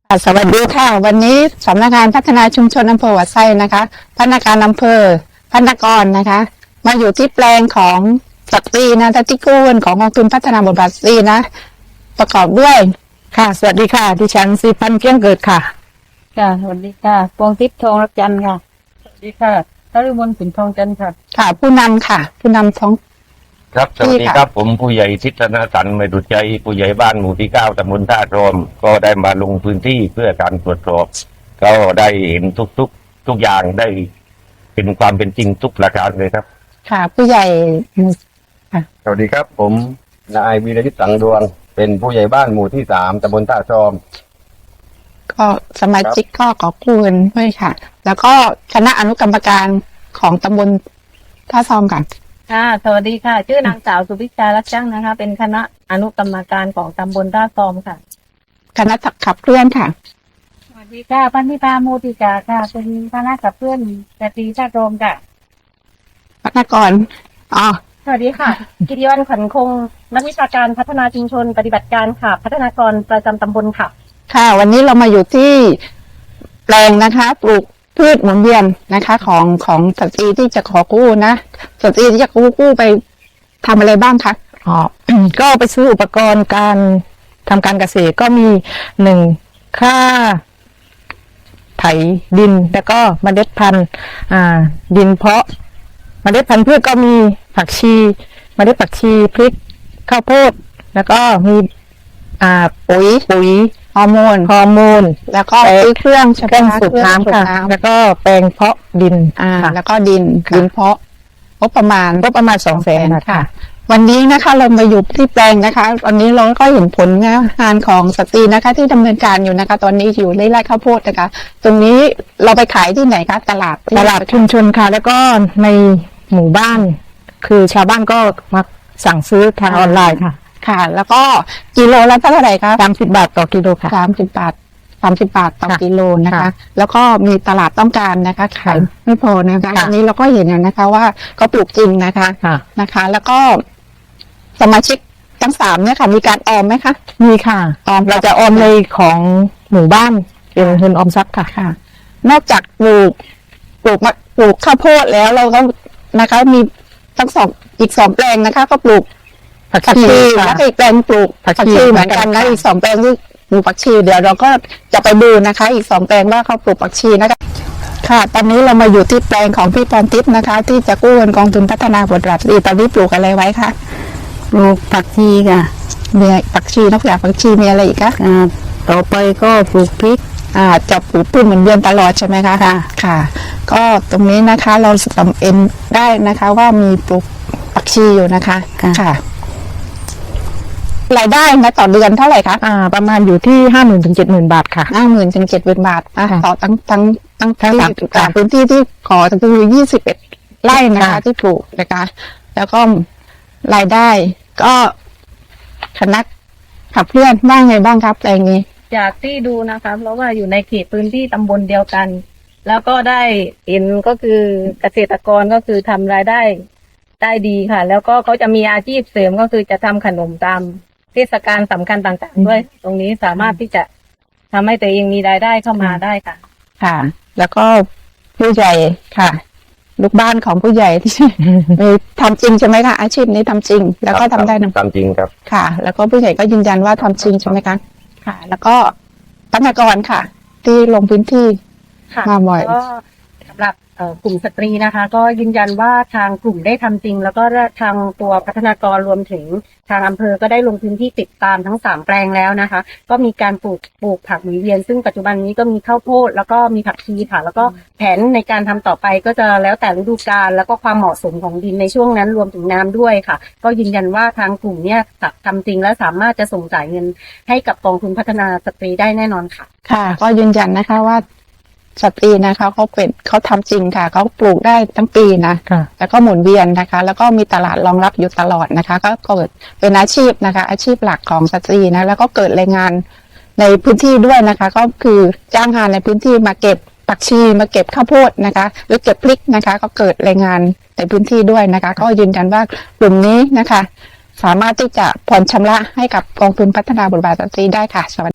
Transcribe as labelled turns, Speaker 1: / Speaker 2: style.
Speaker 1: สวัสดีค่ะวันนี้สำนักงานพัฒนาชุมชนอำเภอหัวไซนะคะพนักงานอำเภอพนักงานนะคะมาอยู่ที่แปลงของสตรีนะที่กู้เงินของกองทุนพัฒนาบทบาทสตรีนะประกอบด้วยค่ะสวัสดีค่ะดิฉันศรีพันธ์เกี้ยงเกิดค่ะ
Speaker 2: ค่ะสวัสดีค่ะปวงทิพย์ทองรักจันทร์ค่ะสวัสดีค่ะทรุมนสินทองจันทร์ค่ะ
Speaker 1: ค่ะผู้นำค่ะผู้นำท้อง
Speaker 3: ครับสวัสดีครับผมผู้ใหญ่ทิศนสันต์ไม่ดุจใจผู้ใหญ่บ้านหมู่ที่9ตำบลท่าโรมก็ได้มาลงพื้นที่เพื่อการตรวจสอบก็ได้เห็นทุกอย่างได้เป็นความเป็นจริงทุกประการเลยครับ
Speaker 1: ค่ะผู้ใหญ่
Speaker 3: ค่ะสวัสดีครับผมนายวีรยุทธ์สังดวงเป็นผู้ใหญ่บ้านหมู่ที่3ตำบลท่าโรม
Speaker 1: ก็สมาชิกก็ขอกู้เงินด้วยค่ะแล้วก็คณะอนุกรรมการของตำบลท่าซอมกัน
Speaker 2: ค่ะสวัสดีค่ะชื่อนางสาวสุวิชารักจังนะคะเป็นคณะอนุกรรมการของตำบลท่าซอมค่ะ
Speaker 1: คณะขับเคลื่อนค่ะ
Speaker 2: สวัสดีค่ะพันธิพาโมติกาค่ะเป็นคณะขับเคลื่อนสตรีท่าโรมค่ะ
Speaker 1: พัฒนากร
Speaker 2: สวัสดีค่ะกิติวันขวัญคงนักวิชาการพัฒนาชุมชนปฏิบัติการค่ะพัฒนากรประจำตำบลค่ะ
Speaker 1: ค่ะวันนี้เรามาอยู่ที่แปลงนะคะปลูกพืชหมุนเวียนนะคะของสตรีที่จะขอกู้นะสตรีที่จะกู้ไปทำอะไรบ้างคะ
Speaker 4: ก็ไปซื้ออุปกรณ์การทำการเกษตรก็มีค่าไถดินแล้วก็เมล็ดพันธุ์ดินเพาะเมล็ดพันธุ์พืชก็มีผักชีเมล็ดผักชีพริกข้าวโพดแล้วก็มีปุ๋ย
Speaker 1: ฮอร์โมนแล้วก็เครื่อง
Speaker 4: สูบน้ำค่ะแล้วก็แปลงเพาะดิน
Speaker 1: แล้วก็ดินเพาะงบประมาณ
Speaker 4: 200,000ค่ะ
Speaker 1: วันนี้นะคะเรามาอยู่ที่แปลงนะคะวันนี้เราก็เห็นผลงานของสตรีนะคะที่ดำเนินการอยู่นะคะตอนนี้อยู่ในไร่ข้าวโพดนะคะตรงนี้เราไปขายที่ไหนคะตลาด
Speaker 4: ชุมชนค่ะแล้วก็ในหมู่บ้านคือชาวบ้านก็มาสั่งซื้อทางออนไลน์
Speaker 1: ค่ะแล้วก็กิโลละเท่าไหร่คะ
Speaker 4: 30 บาทต่อกิโลค่ะ
Speaker 1: 30 บาทต่อกิโลนะคะแล้วก็มีตลาดต้องการนะคะขายไม่พอนะคะอันนี้เราก็เห็นนะคะว่าก็ปลูกจริงนะคะแล้วก็สมาชิกทั้ง3เนี่ยค่ะมีการออมไหมคะ
Speaker 4: มีค่ะเราจะออมในของหมู่บ้านเป็นเงินออมทรัพย์
Speaker 1: ค่ะนอกจากปลูกข้าวโพดแล้วเราก็นะคะมีทั้งอีก2แปลงนะคะก็ปลูกผักชีแล้วอีกแปลงปลูกผักชีเหมือนกันนะอีก2แปลงที่ปลูกผักชีเดี๋ยวเราก็จะไปดูนะคะอีก2แปลงว่าเขาปลูกผักชีนะคะค่ะตอนนี้เรามาอยู่ที่แปลงของพี่พรทิพย์นะคะที่จะกู้เงินกองทุนพัฒนาบทบาทสตรีตอนนี้ปลูกอะไรไว้คะ
Speaker 4: ปลูกผักชีค่ะ
Speaker 1: มีผักชีนอกจากผักชีมีอะไรอีกคะ
Speaker 4: ต่อไปก็ปลูกพริก
Speaker 1: จะปลูกพืชเหมือนเดือนตลอดใช่ไหมคะค่ะก็ตรงนี้นะคะเราจำเป็นได้นะคะว่ามีปลูกผักชีอยู่นะคะค่ะรายได้นะต่อเดือนเท่าไหร่คะ
Speaker 4: ประมาณอยู่ที่ 50,000 ถึง 70,000 บาทค่ะ
Speaker 1: 50,000 ถึง 70,000 บาทต่อทั้งพื้นที่ที่ขอคือ21 ไร่นะคะที่ปลูกนะคะแล้วก็รายได้ก็คณะขับเคลื่อนบ้างไงบ้างครับแปลงนี้
Speaker 2: จากที่ดูนะคะเพราะว่าอยู่ในเขตพื้นที่ตำบลเดียวกันแล้วก็ได้เห็นก็คือเกษตรกรก็คือทำรายได้ดีค่ะแล้วก็เขาจะมีอาชีพเสริมก็คือจะทำขนมตามเทศกาลสำคัญต่างๆด้วยตรงนี้สามารถที่จะทำให้ตัวเองมีรายได้เข้ามาได้
Speaker 1: ค่ะแล้วก็ผู้ใหญ่ค่ะลูกบ้านของผู้ใหญ่ที่ทำจริงใช่ไหมคะอาชีพนี้ทำจริงแล้วก็ทำได้
Speaker 3: ทำจริงครับ
Speaker 1: ค่ะแล้วก็ผู้ใหญ่ก็ยืนยันว่าทำจริงใช่ไหมคะค่ะแล้วก็พัฒนากรค่ะที่ลงพื้นที่มาบ่อย
Speaker 2: สำหรับกลุ่มสตรีนะคะก็ยืนยันว่าทางกลุ่มได้ทำจริงแล้วก็ทางตัวพัฒนากรรวมถึงทางอำเภอก็ได้ลงพื้นที่ติดตามทั้ง3แปลงแล้วนะคะก็มีการปลูกผักหมุนเวียนซึ่งปัจจุบันนี้ก็มีข้าวโพดแล้วก็มีผักชีค่ะแล้วก็แผนในการทำต่อไปก็จะแล้วแต่ฤดูกาลแล้วก็ความเหมาะสมของดินในช่วงนั้นรวมถึงน้ำด้วยค่ะก็ยืนยันว่าทางกลุ่มเนี่ยทำจริงและสามารถจะส่งจ่ายเงินให้กับกองทุนพัฒนาสตรีได้แน่นอนค่ะ
Speaker 1: ค่ะก็ยืนยันนะคะว่าสตรีนะคะเขาทำจริงค่ะเขาปลูกได้ทั้งปีนะแล้วก็หมุนเวียนนะคะแล้วก็มีตลาดรองรับอยู่ตลอดนะคะก็เกิดเป็นอาชีพนะคะอาชีพหลักของสตรีนะแล้วก็เกิดแรงงานในพื้นที่ด้วยนะคะก็คือจ้างงานในพื้นที่มาเก็บผักชีมาเก็บข้าวโพดนะคะหรือเก็บพริกนะคะก็เกิดแรงงานในพื้นที่ด้วยนะคะก็ยืนยันว่ากลุ่มนี้นะคะสามารถที่จะผ่อนชำระให้กับกองทุนพัฒนาบทบาทสตรีได้ค่ะสวัสดี